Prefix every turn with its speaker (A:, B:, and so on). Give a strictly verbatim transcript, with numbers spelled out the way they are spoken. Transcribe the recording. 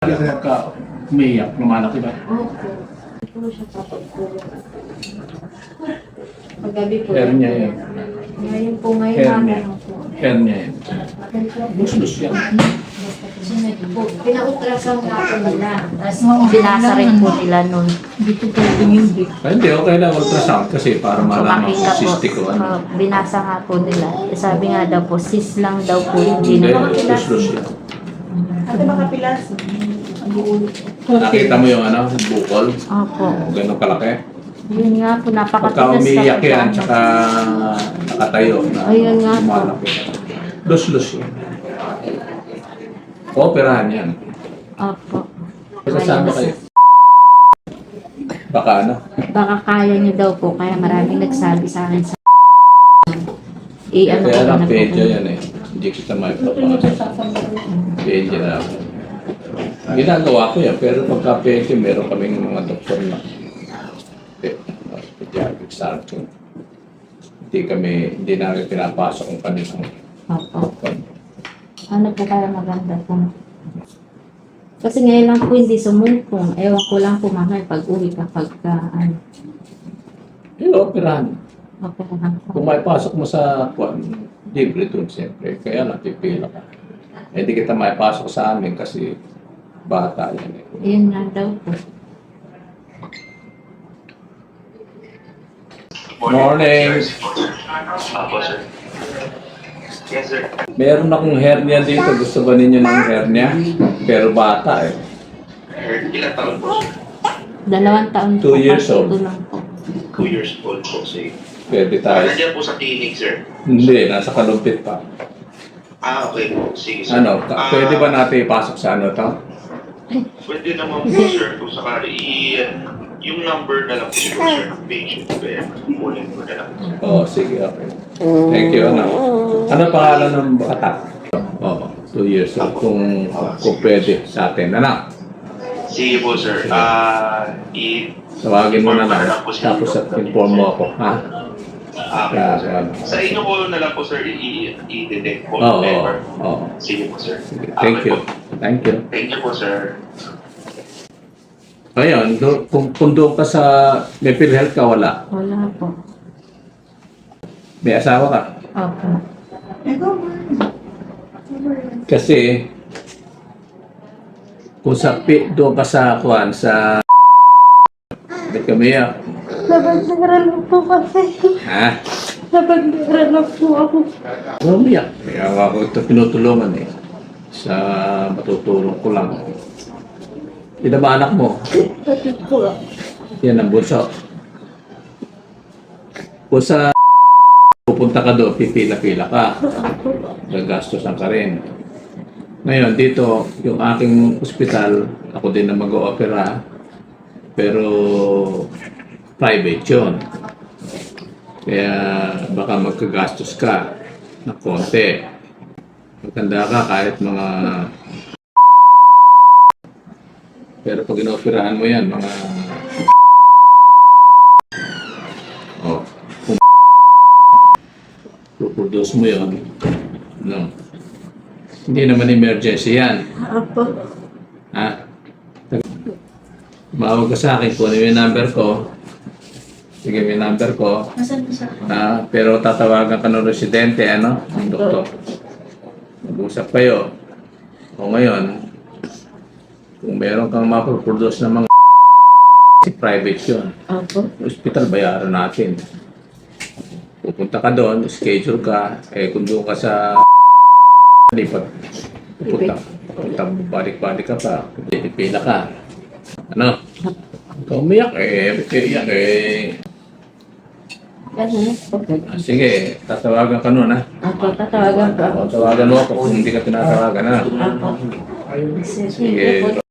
A: Kaya ka umiiyak, lumalaki ba?
B: Opo. Ito siya papagpulong. Paggabi po.
A: Hernia yan.
B: Ngayon po, ngayon
A: Hernia.
B: naman po.
A: Hernia yan. Lus-lus yan.
B: Sunod po. Pina-ultrasound nga po nila. Tapos binasa rin po nila nun. Dito po yung bit.
A: Ay, hindi, okay lang ultrasound kasi para malaman
B: Makita
A: kung
B: po.
A: cystic o ano.
B: uh, binasa nga po nila. Eh, Sabi nga daw po, sis lang daw po. Hindi
A: Hindi,
B: na.
A: lus-lus yan.
C: Ate makapilas.
A: Nakita mo yung ano, bukol?
B: Opo.
A: Ganun kalaki.
B: Yun nga po,
A: Pagka
B: napakatigas
A: umiiyak
B: talaga.
A: yan, tsaka nakatayo na
B: Ayun nga po.
A: lumalaki. Lus-lus yan. Operahan yan.
B: Opo.
A: Kasama kayo. Baka ano?
B: Baka kaya niyo daw po, kaya maraming nagsabi sa akin sa eh, ano
A: Kaya
B: ko
A: lang,
B: na po.
A: pedya yan eh. Hindi kita may papasok. Pedya na ako. Ginagawa ko yan, pero pagka pedya, meron kaming mga doktor na pe- pediatric surgeon. Hindi kami, hindi namin pinapasok ang kanilang
B: Opo. Ano po kaya maganda po? Kasi ngayon lang po hindi sumumpong. Ewan ko lang po mamaya pag uwi kapag ka, ano.
A: Eh, operahan.
B: Okay lang po.
A: Kung may pasok mo sa kwan, libre dun siyempre. Kaya lang, pipila ka. Eh, di kita may pasok sa amin kasi bata yan eh.
B: Yun nga daw po.
A: Morning!
D: Apo, sir. Yes, sir.
A: Meron akong hernia dito. Gusto ba ninyo ng hernia? Pero bata eh.
D: Ilan taon po, sir?
B: Dalawang taon
A: Two
B: po.
A: years
B: kasi
A: old.
B: ito lang po.
D: Two years old po, sir.
A: Pwede
D: Ah,
A: tayo.
D: nandiyan po sa clinic, sir.
A: Hindi, nasa kalumpit pa.
D: Ah, okay po. Sige, sir.
A: Ano, ka-
D: Ah,
A: pwede ba natin ipasok sa ano to?
D: Pwede naman po, sir. Kung sakali, i- yung number na lang po, sir, sir, ng patient. Kaya, kunin ko na lang.
A: Oo, sige, okay. Thank you, ano. Ano pangalan ng bata? Oo, two years old. Kung, kung pwede sa atin. Ano?
D: Sige po, sir. Ah, i-
A: Tawagin mo na
D: inform
A: lang.
D: po si
A: Tapos
D: Doctor
A: inform mo ako, ha?
D: Ah, okay po, sir.
A: Yeah,
D: Sa inyo po na lang po, sir, i- i-detect po.
A: Oo, oo,
D: Never.
A: oo.
D: Sige po, sir.
A: Sige,
D: Ah,
A: thank
D: okay
A: you.
D: po.
A: Thank you.
D: Thank you po, sir.
A: Ayun, do, kung, kung doon ka sa may PhilHealth ka, wala.
B: Wala po.
A: May asawa ka.
B: Opo.
A: Kasi, kung sa pi, doon ka sa kuan, sa ba't kami ya?
B: Nabagdaran na po kasi.
A: Ha?
B: Nabagdaran na po ako.
A: Umiyak. Kaya ako ito pinutulungan eh. Sa matutulong ko lang. Sino ba anak mo?
B: Bakit po?
A: Yan ang bunso. Kung sa pupunta ka doon, pipila-pila ka. Gagastosan ka rin. Ngayon, dito, yung aking ospital, ako din na mag-o-opera, pero private yun. Kaya baka magkagastos ka na konti. Maganda ka kahit mga... Pero pag inooperahan mo yan, mga... Oh, kung produce mo yun, no. Hindi naman emergency yan.
B: Opo.
A: Ha? Tumawag ka sa akin, kunin mo yung number ko. Sige, may number ko.
B: Nasaan po sa
A: Ah, pero tatawagan ka ng residente, ano? Ng doktor. Mag-usap kayo. O ngayon, kung meron kang maproproduce ng mga private yun.
B: Opo.
A: Hospital, bayaran natin. Pupunta ka doon, schedule ka, eh kung doon ka sa lipat, pupunta, pupunta, balik-balik ka pa, pipila ka. Ano? Ikaw umiyak, eh, iyak, eh.
B: Ganun. Okay.
A: Ah, sige, tatawagan ka nun, ha?
B: Opo, tatawagan po ako.
A: O, tawagan mo ako kung hindi ka tinatawagan, ha?
B: Opo. Sige
A: Sige.
B: po.